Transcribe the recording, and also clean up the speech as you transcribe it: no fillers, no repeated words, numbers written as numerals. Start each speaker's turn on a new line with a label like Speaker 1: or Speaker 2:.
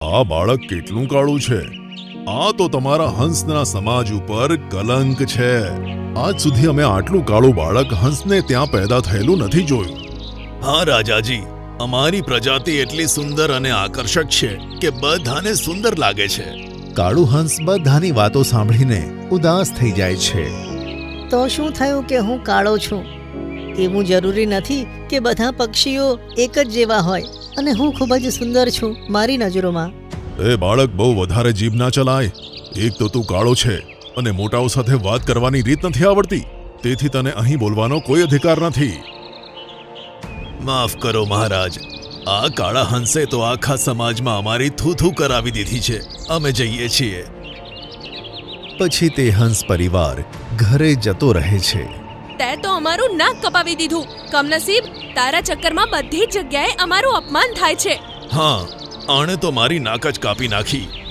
Speaker 1: આ બાળક કેટલું કાળું છે. આ તો તમારા હંસના સમાજ ઉપર કલંક છે. આજ સુધી અમે આટલું કાળું બાળક હંસને ત્યાં પેદા થયેલું નથી જોયું.
Speaker 2: હા રાજાજી, અમારી પ્રજાતિ એટલી સુંદર અને આકર્ષક છે કે બધાને સુંદર લાગે છે.
Speaker 3: કાળું હંસ બધાની વાતો સાંભળીને ઉદાસ થઈ જાય છે.
Speaker 4: તો શું થયું કે હું કાળો છું? એવું જરૂરી નથી કે બધા પક્ષીઓ એક જ જેવા હોય અને હું ખૂબ જ સુંદર છું મારી નજરોમાં.
Speaker 1: એ બાળક, બહુ વધારે જીભ ના ચલાય. એક તો તું કાળો છે અને મોટાઓ સાથે વાત કરવાની રીત નથી આવડતી, તેથી તને અહીં બોલવાનો કોઈ અધિકાર નથી.
Speaker 2: માફ કરો મહારાજ, આ કાળા હંસે તો આખા સમાજમાં અમારી થૂથૂ કરાવી દીધી છે. અમે જઈએ છીએ.
Speaker 3: પછી તે હંસ પરિવાર ઘરે જતો રહે છે.
Speaker 5: તે તો અમારું નાક કપાવી દીધું. કમનસીબ, તારા ચક્કરમાં બધી જ જગ્યાએ અમારું અપમાન થાય છે.
Speaker 2: હા, આણે તો મારી નાક જ કાપી નાખી.